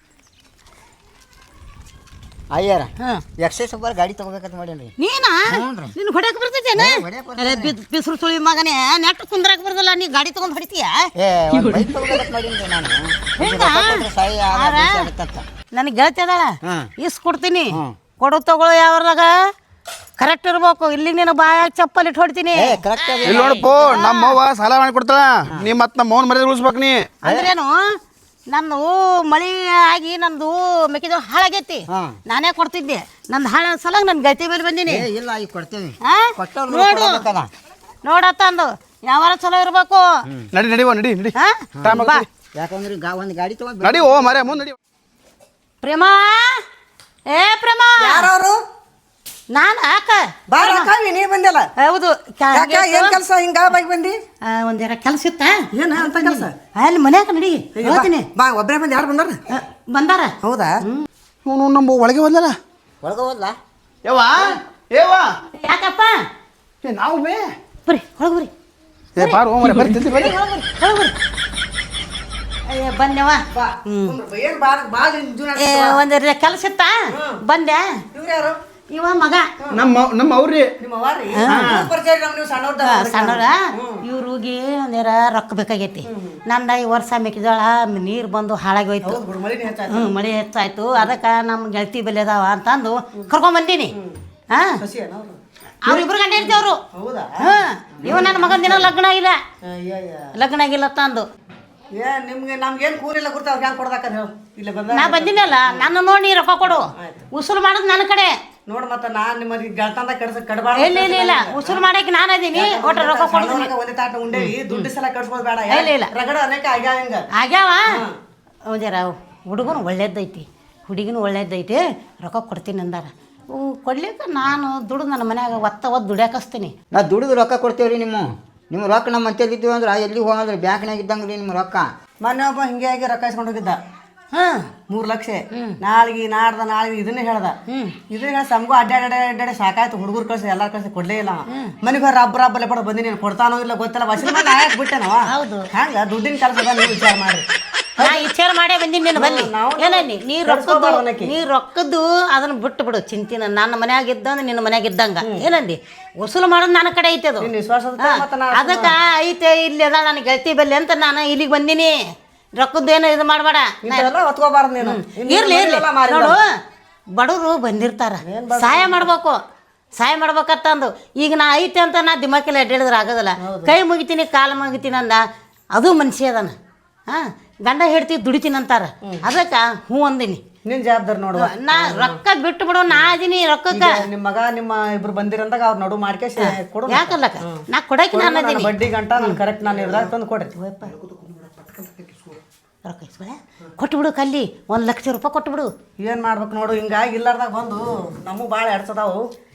S1: ಅಯ್ಯಾರ ಎಕ್ಸೈಸ್ ಒಬ್ಬರು ಗಾಡಿ ತಗೋಬೇಕಂತ ಮಾಡೇನ್ರಿ
S4: ನೀನಾ ನಿನ್ ಹೊಡ್ಯಾಕ ಬರ್ತೈತೇನ ಬಿಸಿರು ಸುಳಿ ಮಗನೇ ನೆಟ್ ಕುಂದ್ರಾಕ ಬರ್ತಲ್ಲ ನೀ ಗಾಡಿ ತಗೊಂಡ್ ಹೊಡಿತೀಯ
S1: ಏ ಒಂದು ಬೈಕ್ ತಗೋಬೇಕಂತ ಮಾಡೀನಿ ನಾನು ರೊಕ್ಕ ಕೊಟ್ರೆ ಸಹಾಯ ಆಗತ್ತಂತ
S4: ನನಗೆ ಗೆಳತಿ ಅದಾಳ
S1: ಹಾಂ.
S4: ಇಸ್ ಕೊಡ್ತೀನಿ ಕೊಡು ತಗೊಳ್ಳೋ ಯಾವ್ರಾಗ ಕರೆಕ್ಟ್ ಇರ್ಬೇಕು ಇಲ್ಲಿ ನೀನು ಬಾಯಾಗ ಚಪ್ಪಲ್ ಇಟ್ಟು ಹೊಡ್ತೀನಿ
S1: ಏ ಕರೆಕ್ಟ್
S3: ಇಲ್ಲಿ ನೋಡಪ್ಪ ನಮ್ಮವ್ವ ಸಾಲ ಮಾಡಿ ಕೊಡ್ತಾಳ ನೀ ಮತ್ತೆ ನಮ್ಮ ಮೌನ ಮರ್ಯಾದೆ ಉಳಿಸ್ಬೇಕು ನೀ
S4: ಅಂದ್ರೇನು ನಂದು ಮಳಿ ಆಗಿ ನಂದು ಮೆಕ್ಕೆಜೋಳ ಹಾಳಾಗೈತಿ
S1: ಹಾಂ.
S4: ನಾನೇ ಕೊಡ್ತಿದ್ದೆ ನಂದು ಹಾಳ ಸಲಾಗ ನನ್ನ ಗೆಳತಿ ಮೇಲೆ ಬಂದೀನಿ
S1: ಏ ಇಲ್ಲ ಈಗ ಕೊಡ್ತೇವೆ
S4: ಆ?
S1: ಕೊಟ್ಟವ್ರು
S4: ನೋಡು
S1: ಕೊಡ್ಬೇಕಲ್ಲ.
S4: ನೋಡತ್ತ ಅಂದು ಯಾವಾರ ಚಲೋ ಇರ್ಬೇಕು
S3: ನಡಿ ನಡಿವ ನಡಿ ನಡಿ
S4: ಹಾ?
S3: ಟೈಮ್
S4: ಬಾ.
S1: ಯಾಕಂದ್ರೆ ಒಂದು ಗಾಡಿ ತಗೊಂಡು
S3: ನಡಿ ಓ ಮರೆ ಮುಂದೆ ನಡಿ
S4: ಪ್ರೇಮ ಏ ಪ್ರೇಮ
S6: ಯಾರವರು
S4: ನಾನು ಆಕ
S6: ಬಾರ ನೀ ಬಂದಿಲ್ಲ
S4: ಹೌದು
S6: ಯಾಕ ಏನ್ ಕೆಲಸ ಹಿಂಗ ಬಾಗಿ ಬಂದಿ
S4: ಒಂದೇರ ಕೆಲಸ ಇತ್ತ
S6: ಏನ ಅಂತ ಕೆಲಸ
S4: ಅಲ್ಲಿ ಮನ್ಯಾಗ ನಡಿ ಹೇಳ್ತೀನಿ
S6: ಬಾ ಒಬ್ಬರೇ ಬಂದು ಯಾರು ಬಂದಾರ
S4: ಬಂದಾರ
S6: ಹೌದಾ
S3: ಇವನು ನಮ್ಮ ಒಳಗೆ ಬಂದಲ್ಲ
S1: ಒಳಗೆ ಹೋದ್ಲಾ
S3: ಯವ್ವ ಏವ್ವ
S4: ಯಾಕಪ್ಪ
S3: ಏ ನಾವು ಬೇ
S4: ಬರ್ರಿ ಒಳಗೆ ಬರ್ರಿ
S3: ಏ ಬಾರು ಓ ಮರೆ ಬರ್ರಿ ತಿಂದಿ ಬರ್ರಿ
S4: ಒಳಗೆ ಬರ್ರಿ ಅಯ್ಯ ಬಂದೆವ
S6: ಏನ್ ಬಾಳ ಬಾಳ
S4: ಏ ಒಂದೇರ ಕೆಲಸ ಇತ್ತ ಬಂದೆ
S6: ಇವ್ರು ಯಾರು
S4: ಇವ ಮಗ
S3: ನಮ್ಮ ಅವ್ರಿ
S6: ನಿಮ್ಮ ಅವಾರಿ ಪರಿಚಯ ನಮ್ ನೀವು ಸಣ್ಣವ್ರ
S4: ಸಣ್ಣವ್ರ ಇವ್ರಿಗೆ ಒಂದೇರ ರೊಕ್ಕ ಬೇಕಾಗೈತಿ ನಂದ ಈ ವರ್ಷ ಮೆಕ್ಕೆಜೋಳ ನೀರು ಬಂದು ಹಾಳಾಗಿ ಹೋಯ್ತು
S6: ಮಳಿನೇ ಹೆಚ್ಚಾಯ್ತು
S4: ಹ್ಞೂ ಮಳೆ ಹೆಚ್ಚಾಯ್ತು ಅದಕ್ಕೆ ನಮ್ಮ ಗೆಳತಿ ಬೆಲೆ ಅದಾವ ಅಂತಂದು ಕರ್ಕೊಂಬಂದೀನಿ ಹಾಂ
S6: ಹಸಿಯೇನ ಅವ್ರು
S4: ಅವ್ರಿಬ್ರು ಗಂಡ ಇರ್ತೀವಿ ಅವರು
S6: ಹೌದಾ
S4: ಹಾಂ ಇವ ನನ್ನ ಮಗನ ದಿನ ಲಗ್ನ ಆಗಿಲ್ಲ
S6: ಅಯ್ಯಯ್ಯ
S4: ಲಗ್ನ ಆಗಿಲ್ಲ ತಂದು
S6: ಏ ನಿಮ್ಗೆ ನಮ್ಗೇನು ಕೂರಿಲ್ಲ ಗುರ್ತ ಅವ್ರಿಗೆ ಹ್ಯಾಂಗ ಕೊಡ್ದಾಕಂತ ಹೇಳು ಇಲ್ಲ ಬಂದ
S4: ನಾ ಬಂದಿನಲ್ಲ ನನ್ನ ನೋಡಿ ನೀ ರೊಕ್ಕ ಕೊಡು ಉಸುಲು ಮಾಡೋದು ನನ್ನ ಕಡೆ
S6: ನೋಡ್ ಮತ್ತ ನಾನ್ ನಿಮ್ಮಲ್ಲಿ ಗೆಳತಂದ ಕಡಬಾರ
S4: ಇಲ್ಲ ಇಲ್ಲ ಇಲ್ಲ ಉಸುಲು ಮಾಡಕ್ಕೆ ನಾನು ಅದೀನಿ ಒಟ್ಟು ರೊಕ್ಕ ಕೊಡ್ತೀನಿ
S6: ಒಂದೇ ತಾಟ ಉಂಡೇವಿ ದುಡ್ಡು ಸಲ ಕಟ್ಸ್ಬೋದು ಬೇಡ
S4: ಇಲ್ಲ, ಇಲ್ಲ.
S6: ರಗಡ ಅನೇಕ ಆಗ್ಯಾವ ಹಿಂಗ
S4: ಆಗ್ಯಾವ ಒಂದೇರ ಹುಡುಗನು ಒಳ್ಳೇದೈತಿ ಹುಡುಗಿನೂ ಒಳ್ಳೇದೈತಿ ರೊಕ್ಕ ಕೊಡ್ತೀನಿ ಅಂದಾರ ಕೊಡ್ಲಿಕ್ಕೆ ನಾನು ದುಡ್ದು ನನ್ನ ಮನ್ಯಾಗ ಒತ್ತ ದುಡ್ಯಾಕಸ್ತೀನಿ
S1: ನಾ ದುಡಿದು ರೊಕ್ಕ ಕೊಡ್ತೇವ್ರಿ ನಿಮ್ಮ ರೊಕ್ಕ ನಮ್ಮ ಮಂತೇಲಿದ್ದೀವಿ ಅಂದ್ರೆ ಎಲ್ಲಿ ಹೋಗಂದ್ರೆ ಬ್ಯಾಂಕ್ನಾಗ ಇದ್ದಂಗೆ ರೀ ನಿಮ್ಮ ರೊಕ್ಕ
S6: ಮೊನ್ನೆ ಒಬ್ಬ ಹಿಂಗೆ ಆಗಿ ರೊಕ್ಕ ಇಸ್ಕೊಂಡು ಹೋಗಿದ್ದ
S4: ಹಾಂ
S6: 3 ಲಕ್ಷ ನಾಳೆಗೆ ನಾಳೆಗೆ ಇದನ್ನೇ ಹೇಳ್ದ ಇದನ್ನ ಹೇಳಿ ಸಮಗೂ ಅಡ್ಡಾಡಿ ಸಾಕಾಯ್ತು ಹುಡುಗರು ಕಳ್ಸಿ ಎಲ್ಲಾರು ಕಳ್ಸಿ ಕೊಡ್ಲೇ ಇಲ್ಲ ಮನೆಗೆ ಹೋಗಿ ರಬ್ಬಲೆ ಪಡ ಬಂದಿ ನೀನು ಕೊಡ್ತಾನೋ ಇಲ್ಲ ಗೊತ್ತಿಲ್ಲ ವಸೂಲಿ ಮಾಡಿ ಆಯಕ್ ಬಿಟ್ಟೆನವ
S4: ಹೌದು.
S6: ಹಂಗ ದುಡ್ಡಿನ ಕೆಲಸ ನೀವು ವಿಚಾರ ಮಾಡ್ರಿ
S4: ನಾ ವಿಚಾರ ಮಾಡೇ ಬಂದೀನಿ ನೀನು ಬನ್ನಿ ಏನಲ್ಲಿ ನೀ ರೊಕ್ಕದ್ದು ಅದನ್ನ ಬಿಟ್ಟು ಬಿಡು ಚಿಂತಿನ ನನ್ನ ಮನ್ಯಾಗ ಇದ್ದಂದ್ರೆ ನಿನ್ನ ಮನ್ಯಾಗ ಇದ್ದಂಗ ಏನಂದಿ ವಸೂಲು ಮಾಡೋದು ನನ್ನ ಕಡೆ ಐತೆ ಅದು ಅದಕ್ಕೆ ಐತೆ ಇಲ್ಲಿ ಅದ ನನ್ನ ಗೆಳತಿ ಬಲ್ಲಿ ಅಂತ ನಾನು ಇಲ್ಲಿಗೆ ಬಂದೀನಿ ರೊಕ್ಕದ್ದೇನು ಇದು ಮಾಡಬೇಡ
S6: ಹೊತ್ಕೋಬಾರ್ದು ನೀನು
S4: ಇರ್ಲಿ ಇರ್ಲಿ ನೋಡು ಬಡವರು ಬಂದಿರ್ತಾರ ಸಹಾಯ ಮಾಡ್ಬೇಕಂತಂದು ಈಗ ನಾ ಐತೆ ಅಂತ ನಾ ದಿಮಾಕೆಲ್ಲ ಅಡ್ಡಾಡಿದ್ರೆ ಆಗೋದಿಲ್ಲ ಕೈ ಮುಗಿತೀನಿ ಕಾಲು ಮುಗಿತೀನಿ ಅಂದ ಅದು ಮನುಷ್ಯ ಅದಾನ ಹಾಂ ಗಂಡ ಹೇಳ್ತಿ ದುಡಿತೀನಿ ಅಂತಾರ ಅದಕ್ಕೆ ಹ್ಞೂ ಅಂದಿನಿ
S6: ನಿನ್ ಜವಾಬ್ದಾರಿ ನೋಡುವ
S4: ನಾ ರೊಕ್ಕ ಬಿಟ್ಟು ಬಿಡು ನಾ ಅದೀನಿ ರೊಕ್ಕಕ್ಕ
S6: ನಿಮ್ಮ ಮಗ ನಿಮ್ಮ ಇಬ್ರು ಬಂದಿರಂದಾಗ ಅವ್ರ ನಡು ಮಾಡ್ಕೇಸಿ ಕೊಡು
S4: ಯಾಕಲ್ಲಕ್ಕ ನಾ ಕೊಡಕ್ಕೆ ನಾನು ಅದೀನಿ
S6: ಬಡ್ಡಿ ಗಂಟ ನಾನು ಕರೆಕ್ಟ್ ನಾನು ಇರ್ದಾಗ ತಂದು ಕೊಡ್ರಿ
S4: ರೊಕ್ಕ ಇಸ್ಕೊಳೆ ಕೊಟ್ಟು ಬಿಡು ಕಲ್ಲಿ 1 ಲಕ್ಷ ರೂಪಾಯಿ ಕೊಟ್ಟು ಬಿಡು
S6: ಏನ್ ಮಾಡ್ಬೇಕು ನೋಡು ಹಿಂಗಾಗಿ ಇಲ್ಲಾರ್ದಾಗ ಬಂದು ನಮಗೂ ಭಾಳ ಎಡ್ಸದಾವು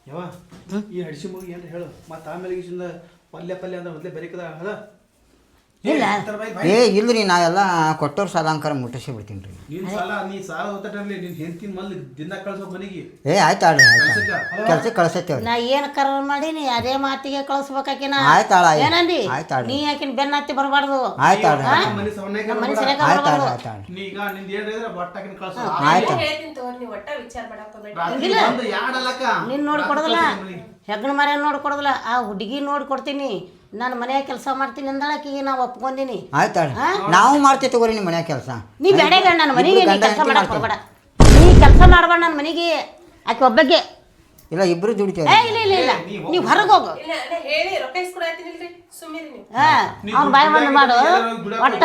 S3: ಯಾವ ಈ ಹಡಿಸಿ ಮುಗಿ ಏನ್ರಿ ಹೇಳು ಮತ್ತೆ ಆಮೇಲೆ ಈಗಿಂದ ಪಲ್ಯ ಅಂದ್ರೆ ಮೊದಲೇ ಬೆರಿಕದ ಹೇಳ
S4: ಇಲ್ಲ.
S1: ಏ ಇಲ್ರಿ ನಾವೆಲ್ಲ ಕೊಟ್ಟವ್ರ ಸಾಲಂಕಾರ ಮುಟ್ಟಿಸಿ ಬಿಡ್ತೀನಿ ರೀ.
S3: ನೀ ಸಾಲ ಓದ್ತಿರ್ಲಿ ನಿನ್ ಹೆಂಡತಿನ ಮಲ್ಲಿ ದಿನ ಕಳ್ಸೋ ಮನೆಗೆ
S1: ಏ ಆಯ್ತಾಳ್ರಿ ಕೆಲ್ಸಕ್ಕೆ ಕಳ್ಸತ್ತೇವ್ರಿ.
S4: ನಾ ಏನು ಕರ ಮಾಡೀನಿ ಅದೇ ಮಾತಿಗೆ ಕಳಿಸ್ಬೇಕಾಕಿನ
S1: ಆಯ್ತಾಳ
S4: ಏನಂದಿ
S1: ಆಯ್ತಾಳ್ರಿ
S4: ನೀ ಯಾಕಿನ ಬೆನ್ನ ಹತ್ತಿ ಬರಬಾರ್ದು
S1: ಆಯ್ತಾಳ್ರಿ
S3: ಮನೆ ಸವನ್ಯಾಗ
S4: ಮನೆ ಸರಿಯಾಗಿ
S1: ಆಯ್ತಾಳ್ರಿ
S4: ಬರಬಾರ್ದು
S1: ಆಯ್ತಾಳ್ರಿ
S3: ನೀ ಈಗ ನಿಂದ ಏನ್ರಿ ಇದ್ರೆ ಬಟ್ಟಾಕಿನ ಕಳ್ಸೋ
S1: ಆಯ್ತು
S2: ಹೇಳ್ತೀನಿ ತಗೋರಿ ನೀವು ಒಟ್ಟ ವಿಚಾರ ಮಾಡಕ್ ಹೋಗ್ಬೇಡಿ.
S3: ರಾತ್ರಿ ಬಂದು ಯಾಡಲ್ಲಕ್ಕ
S4: ನಿನ್ನ ನೋಡಿ ಕೊಡೋದಿಲ್ಲ ಹೆಗ್ಗಣ ಮರ ನೋಡಿ ಕೊಡೋದಿಲ್ಲ ಆ ಹುಡುಗಿ ನೋಡಿ ಕೊಡ್ತೀನಿ ನಾನು ಮನ್ಯಾಗ ಕೆಲಸ ಮಾಡ್ತೀನಿ ಅಂದಳಕಿಗೆ ನಾವು ಒಪ್ಕೊಂಡಿನಿ
S1: ಆಯ್ತಾಳ್ರಿ ನಾವು ಮಾಡ್ತೇವೆ ತಗೋರಿ ನಿಮ್ಮ ಮನ್ಯಾಗ ಕೆಲಸ.
S4: ನೀ ಬೇಡ ಬೇಡ ನನ್ನ ಮನೆಗೆ ನೀ ಕೆಲಸ ಮಾಡಕ್ ಹೋಗ್ಬೇಡ ನೀ ಕೆಲಸ ಮಾಡ್ಬೇಡ ನನ್ನ ಮನೆಗೆ ಆಕೆ ಒಬ್ಬಗೆ
S1: ಇಲ್ಲ ಇಬ್ರು ದುಡಿತೇವೆ.
S4: ಏ ಇಲ್ಲ ಇಲ್ಲ ಇಲ್ಲ ನೀವು ಹೊರಗೆ ಹೋಗು
S2: ಇಲ್ಲ ನಾ ಹೇಳಿ ರೊಕ್ಕ ಇಸ್ಕೊಡಾತೀನಿಲ್ರಿ ಸುಮ್ಮೀರಿ ನೀವು.
S4: ಅವ್ನ ಬಾಯಿ ಬಂದು ಮಾಡು ಒಟ್ಟ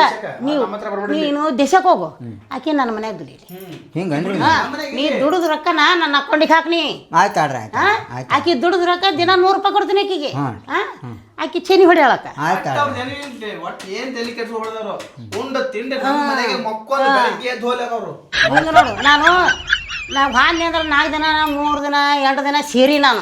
S4: ನೀನು ದೇಶಕ್ಕೆ ಹೋಗು ಆಕೆ ನನ್ನ ಮನ್ಯಾಗ ದುಡೀಲಿ
S1: ಹಿಂಗನ್ರಿ
S4: ನೀ ದುಡಿದ ರೊಕ್ಕನ ನನ್ನ ಅಕೌಂಟಿಗೆ ಹಾಕ್ನಿ
S1: ಆಯ್ತಾಳ್ರಿ ಆಯ್ತು ಆಯ್ತು
S4: ಆಕೆ ದುಡಿದ ರೊಕ್ಕ ದಿನ 100 ರೂಪಾಯಿ ಕೊಡ್ತೀನಿ ಆಕಿಗೆ ಆಕೆ ಚೆನಿ ಹೊಡಿಯಳಕ್ಕ
S1: ಆಯ್ತಾಳ್ರಿ
S3: ಒಟ್ಟು ಏನ್ ತಲೆ ಕೆಡ್ಸ ಹೊಡೆದವ್ರು ಉಂಡ ತಿಂಡಿ ನಮ್ಮ ಮನೆಗೆ ಮಕ್ಕೊಂಡು ಬೆಳಗ್ಗೆ ಎದ್ದು ಹೋಗ್ಲಾಕ ಅವ್ರು
S4: ಹಿಂಗೆ ನೋಡು ನಾವು ಹಾನಿ ಅಂದ್ರೆ 4 ದಿನ 3 ದಿನ 2 ದಿನ ಸೇರಿ ನಾನು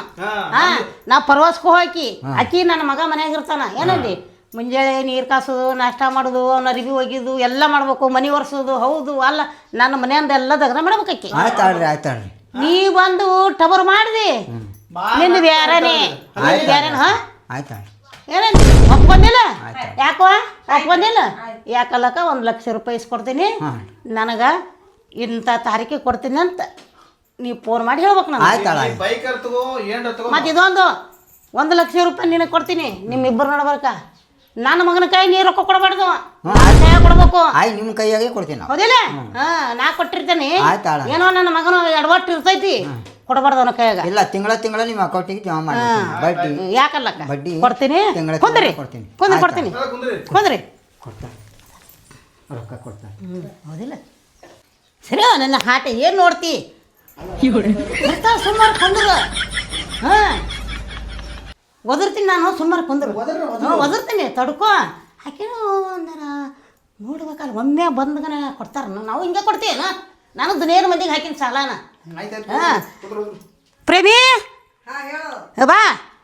S4: ನಾ ಪ್ರವಾಸಕ್ಕೂ ಹೋಗಿ ಆಕಿ ನನ್ನ ಮಗ ಮನ್ಯಾಗ ಇರ್ತಾನ ಏನಂದಿ ಮುಂಜಾನೆ ನೀರು ಕಾಸೋದು ನಾಷ್ಟ ಮಾಡೋದು ಅವ್ನ ಅರಿವಿ ಒಗಿದು ಎಲ್ಲ ಮಾಡ್ಬೇಕು ಮನೆ ಒರೆಸೋದು ಹೌದು ಅಲ್ಲ ನನ್ನ ಮನೆಯಿಂದ ಎಲ್ಲ ದಗದ ಮಾಡ್ಬೇಕು ಆಕಿ
S1: ಆಯ್ತಾಳ್ರಿ ಆಯ್ತಾಳ್ರಿ
S4: ನೀ ಬಂದು ಟಬರ್ ಮಾಡಿದಿ ನಿಂದು ಬೇರೆನೇ ಬೇರೆನ
S1: ಆಯ್ತಾಳ್ರಿ
S4: ಏನಂತ ಒಪ್ಕೊಂಡಿಲ್ಲ ಯಾಕೋ ಒಪ್ಕೊಂಡಿಲ್ಲ ಯಾಕಲ್ಲಕ್ಕ 1 ಲಕ್ಷ ರೂಪಾಯಿ ಇಸ್ಕೊಡ್ತೀನಿ ನನಗೆ ಇಂಥ ತಾರೀಕಿಗೆ ಕೊಡ್ತೀನಿ ಅಂತ ನೀವು ಫೋನ್ ಮಾಡಿ ಹೇಳ್ಬೇಕು ನಾನು
S1: ಆಯ್ತಾಳ
S3: ಬೈಕರ್ ತಗೋ ಏನ್ರ ತಗೋ
S4: ಮತ್ತು ಇದೊಂದು 1 ಲಕ್ಷ ರೂಪಾಯಿ ನಿನಗೆ ಕೊಡ್ತೀನಿ ನಿಮ್ಮಿಬ್ಬರು ನೋಡ್ಬೇಕ ನನ್ನ ಮಗನ ಕೈ ನೀರು ರೊಕ್ಕ ಕೊಡಬಾರ್ದು ಕೈ ಕೊಡ್ಬೇಕು
S1: ಆಯ್ ನಿಮ್ಮ ಕೈಯಾಗೆ ಕೊಡ್ತೀನಿ ನಾವು.
S4: ಹೌದಿಲ್ಲ ನಾ ಕೊಟ್ಟಿರ್ತೇನೆ
S1: ಆಯ್ತಾಳ
S4: ಏನೋ ನನ್ನ ಮಗನ ಎಡವಟ್ಟು ಇರ್ತೈತಿ ಕೊಡಬಾರ್ದು ಅವನ ಕೈಯಾಗ
S1: ಇಲ್ಲ ತಿಂಗಳ ನಿಮ್ಮ ಅಕೌಂಟಿಗೆ ಜಮಾ ಮಾಡ್ತೀನಿ ಬಡ್ಡಿ
S4: ಯಾಕಲ್ಲಕ್ಕ
S1: ಬಡ್ಡಿ
S4: ಕೊಡ್ತೀನಿ
S1: ತಿಂಗಳ
S4: ಕುಂದ್ರಿ
S1: ಕೊಡ್ತೀನಿ
S4: ಕೊಡ್ತೀನಿ ಕುಂದ್ರಿ
S1: ಕೊಡ್ತಾರೆ ರೊಕ್ಕ ಕೊಡ್ತಾರೆ
S4: ಹೌದಿಲ್ಲ ಸರಿ ನನ್ನ ಹಾಟೆ ಏನು ನೋಡ್ತಿ ಬರ್ತಾವ ಸುಮಾರು ಕುಂದ್ರು ಒದರ್ತೀನಿ ನಾನು ಸುಮಾರು ಕುಂದ್ರು ಒದರ್ತೀನಿ ತಡ್ಕೋ ಹಾಕೇನೋ ಒಂದರ ನೋಡ್ಬೇಕಲ್ಲ ಒಮ್ಮೆ ಬಂದ್ಗನ ಕೊಡ್ತಾರ ನಾವು ಹಿಂಗೆ ಕೊಡ್ತೀವಿ ನಾನು ದುನಿಯರ ಮಂದಿಗೆ ಹಾಕಿನ ಸಾಲಾನ ಪ್ರೇಮಿ ಬಾ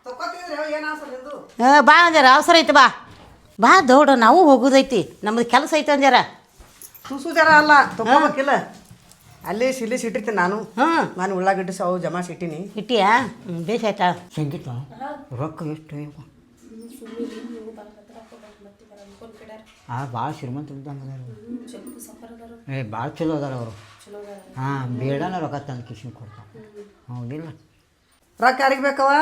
S4: ಬಾ ಅಂಜಾರ ಅವಸರ ಐತಿ ಬಾ ದೌಡ ನಾವು ಹೋಗೋದೈತಿ ನಮ್ದು ಕೆಲಸ ಐತಿ ಅಂಜಾರ
S6: ಸುಸು ಜರ ಅಲ್ಲ ತಗೋಬೇಕಿಲ್ಲ ಅಲ್ಲಿ ಇಟ್ಟಿರ್ತೀನಿ ನಾನು ಉಳ್ಳಾಗಡ್ಡಿ ಸಾವು ಜಮಾ ಇಟ್ಟಿನಿ
S4: ಇಟ್ಟಿಯಾ ಬೇಸ್ ಆಯ್ತಾ
S1: ಸಂಗೀತ ರೊಕ್ಕ ಎಷ್ಟು ಭಾಳ ಶ್ರೀಮಂತ ಇದ್ದಂಗೆ ಏ ಭಾಳ ಚಲೋ ಅದಾರ ಅವರು ಬೇಡನ ರೊಕ್ಕ ತಂದು ಕಿಶನ್ ಕೊಡ್ತಾರೆ ಹೌದಿಲ್ಲ
S6: ರೊಕ್ಕ ಯಾರಿಗೆ ಬೇಕವ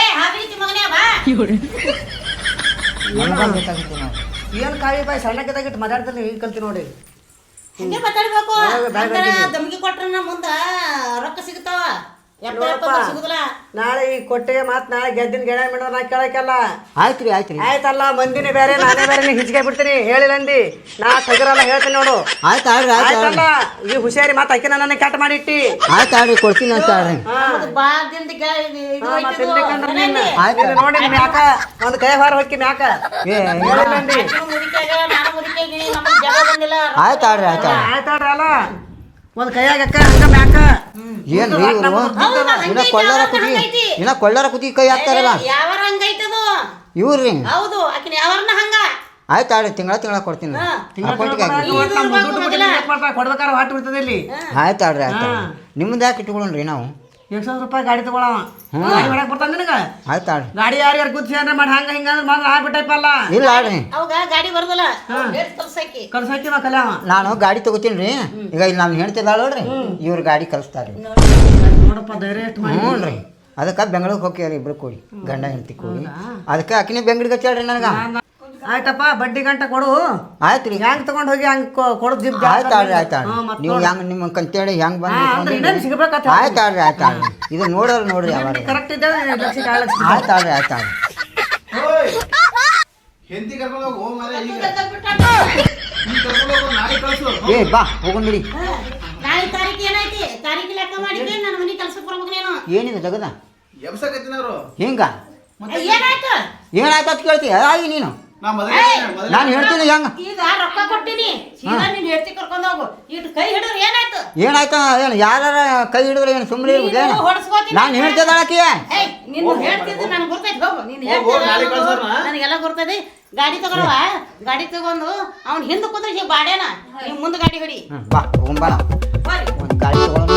S1: ಬೇಕಾಗುತ್ತೆ ನಾವು
S6: ಏನು ಕಾಳಿ ಬಾಯಿ ಸಣ್ಣಕ್ಕಿದ್ದಾಗಿಟ್ಟು ಮಾತಾಡ್ತಾರೆ ಈಗ ಕಲ್ತಿ ನೋಡಿ
S4: ಹಿಂಗೆ ಮಾತಾಡ್ಬೇಕು ದಮ್ಗಿ ಕೊಟ್ರ ಮುಂದೆ ರೊಕ್ಕ ಸಿಗ್ತಾವ ಸಿಗುದಿಲ್ಲ
S6: ನಾಳೆ ಈ ಕೊಟ್ಟೆ ಮಾತು ನಾಳೆ ಗೆದ್ದಿನ ಗೆಳೆ ಮೇಡ ನಾ ಕೇಳಕ್ಕೆಲ್ಲ
S1: ಆಯ್ತು ರೀ
S6: ಆಯ್ತಲ್ಲ ಮಂದಿನೇ ಬೇರೆ ನಾನೇ ಬೇರೆ ನೀ ಹಿಚ್ಕೆ ಬಿಡ್ತೀನಿ ಹೇಳಿಲ್ಲ ಅಂದಿ ನಾ ತಗರಲ್ಲ ಹೇಳ್ತೀನಿ ನೋಡು
S1: ಆಯ್ತು ಆಡ್ರಿ
S6: ಆಯ್ತಲ್ಲ ಈ ಹುಷಾರಿ ಮಾತು ಅಕ್ಕಿ ನನ್ನ ಕೆಟ್ಟ ಮಾಡಿಟ್ಟಿ
S1: ಆಯ್ತು ಆಡ್ರಿ ಕೊಡ್ತೀನಿ ಅಂತ ಆಡ್ರಿ
S6: ನೋಡಿ ಮ್ಯಾಕ ಒಂದು ಕೈ ಹಾರ ಹೊಕ್ಕಿ ಮ್ಯಾಕ ಹೇಳಿಲ್ಲ ಅಂದಿ
S1: ಆಯ್ತು ಆಡ್ರಿ
S6: ಆಯ್ತಾಡ್ರಿ ಅಲ್ಲ ಒಂದು ಕೈಯಾಗ ಅಕ್ಕ ಹಂಗ ಮ್ಯಾಕ
S1: ಏನ್ರಿ ಇನ್ನ ಕೊಳ್ಳಾರ ಕುದಿ ಕೈ ಹಾಕ್ತಾರಲ್ಲ
S4: ಯಾವಾರ ಹಂಗೈತದು
S1: ಇವ್ರಿ
S4: ಹೌದು ಆಕಿನ ಯಾವಾರನ ಹಂಗ
S1: ಆಯ್ತು ಆಡ್ರಿ ತಿಂಗಳ ಕೊಡ್ತೀನಿ ಅಕೌಂಟಿಗೆ ಹಾಕಿ
S6: ಕೊಡ್ಬೇಕಾದ್ರೆ ಹೊಟ್ಟು ಬಿಡ್ತದೆ ಇಲ್ಲಿ
S1: ಆಯ್ತು ಆಡ್ರಿ ಆಯ್ತು ನಿಮ್ದು ಯಾಕೆ ಇಟ್ಕೊಳ್ಳೋಣ್ರಿ ನಾವು
S6: 100 ರೂಪಾಯಿ ಗಾಡಿ ತಗೊಳವ ಗಾಡಿ ಮಾಡಕ್ ಬರ್ತಾನೆ ನಿನಗ
S1: ಆಯ್ತು ಆಡ್ರಿ
S6: ಗಾಡಿ ಯಾರ್ಯಾರು ಗುದ್ಸಿ ಅಂದ್ರೆ ಮಾಡಿ ಹಂಗ ಹಿಂಗ ಅಂದ್ರೆ ಮಾಡಿ ಆಗ್ಬಿಟ್ಟೈಪಲ್ಲ
S1: ಇಲ್ಲ ಆಡ್ರಿ
S4: ಅವಾಗ ಗಾಡಿ ಬರ್ದಲ್ಲ ಕಲ್ಸಾಕಿ
S6: ಕಲ್ಸಾಕಿ ಕಲ್ಯಾವ
S1: ನಾನು ಗಾಡಿ ತಗೋತೀನಿ ರೀ ಈಗ ಇಲ್ಲಿ ನಾನು ಹೇಳ್ತಿದ್ದಾಳ ನೋಡ್ರಿ ಇವ್ರು ಗಾಡಿ ಕಲಿಸ್ತಾರೆ
S6: ನೋಡಪ್ಪ ಧೈರ್ಯ ಎಷ್ಟು
S1: ಹ್ಞೂ ರೀ ಅದಕ್ಕೆ ಬೆಂಗಳೂರಿಗೆ ಹೋಗ್ಯಾರ ಇಬ್ರು ಕೂಡಿ ಗಂಡ ಹೆಂಡತಿ ಕೂಡಿ ಅದಕ್ಕೆ ಆಕಿನೇ ಬೆಂಗ್ಳಿಗೆ ಹಚ್ಚಾಳ್ರಿ ನನಗೆ
S6: ಆಯ್ತಪ್ಪ ಬಡ್ಡಿ ಗಂಟ ಕೊಡು
S1: ಆಯ್ತು ರೀ
S6: ಹೆಂಗ್ ತಗೊಂಡ್ ಹೋಗಿ ಹಂಗ್ ಕೊಡೋದು ಜಿಪ್
S1: ಆಯ್ತು ಆಡ್ರಿ ಆಯ್ತು ಆಡ್ರಿ ನೀವು ಹೆಂಗೆ ನಿಮ್ಮ ಕಂತೇಳಿ ಹೆಂಗೆ ಬಂದು
S6: ಸಿಗ್ಬೇಕತ್ತ
S1: ಆಯ್ತು ಆಡ್ರಿ ಆಯ್ತು ಆಡ್ರಿ ಇದು ನೋಡ್ರಿ ಯಾವಾಗ
S6: ಕರೆಕ್ಟ್ ಇದ್ದೇವೆ ಲಕ್ಷಕ್ಕೆ 2 ಲಕ್ಷ
S1: ಆಯ್ತು ಆಡ್ರಿ ಆಯ್ತು ಆಡ್ರಿ
S3: ಹೆಂಡತಿ ಕರ್ಕೊಂಡು ಹೋಗು ಮಾರ್ರೆ ಈಗ
S1: ಏ ಬಾ ಹೋಗೋಣ್ಬಿಡಿ
S4: ನಾಳೆ ತಾರೀಕು ಏನೈತಿ ತಾರೀಕು ಲೆಕ್ಕ ಮಾಡಿದ್ರೆ ನನ್ನ ಮನೆ ಕೆಲ್ಸಕ್ಕೆ ಬರ್ಬೇಕು ನೀನು
S1: ಏನಿದೆ ಜಗದ
S3: ಎಬ್ಸಕತ್ತಿನವ್ರು
S1: ಹಿಂಗ
S4: ಏನಾಯ್ತು
S1: ಏನಾಯ್ತು ಅಂತ ಕೇಳ್ತೀಯ ಆಗಿ ನೀನು
S3: ನಾ ಮೊದಲೇ
S1: ನಾನು ಹೇಳ್ತೀನಿ ಹೆಂಗ
S4: ಈಗ ರೊಕ್ಕ ಕೊಟ್ಟಿನಿ ಸೀದಾ ನೀನ್ ಹೆಡ್ತಿ ಕರ್ಕೊಂಡ್ ಹೋಗು ಇಟ್ಟು ಕೈ ಹಿಡಿದ್ರೆ ಏನಾಯ್ತು
S1: ಏನಾಯ್ತು ಏನು ಯಾರ ಕೈ ಹಿಡಿದ್ರೆ ಏನು ಸುಮ್ಮನೆ ಇರ್ಬೇಕೇನು
S4: ಹೊಡ್ಸ್ಕೊತೀನಿ
S1: ನಾನು ಹೇಳ್ತಿದ್ದಾಳಕಿ
S4: ಏಯ್ ನಿನ್ನ ಹೇಳ್ತಿದ್ದು ನನಗೆ ಗೊತ್ತೈತಿ ಹೋಗು ನೀನು ಹೇಳ್ತಿದ್ದ ನನಗೆಲ್ಲ ಗೊತ್ತೈತಿ ಗಾಡಿ ತಗೊಳವ ಗಾಡಿ ತಗೊಂಡು ಅವ್ನು ಹಿಂದೆ ಕುಂದ್ರೆ ಬಾಡ್ಯಾನ ನೀವು ಮುಂದೆ ಗಾಡಿ ಹೊಡಿ
S1: ಬಾ ಹೋಗೋಣ
S4: ಹೋರಿ
S1: ಒಂದು ಗಾಡಿ ತಗೊಂಡು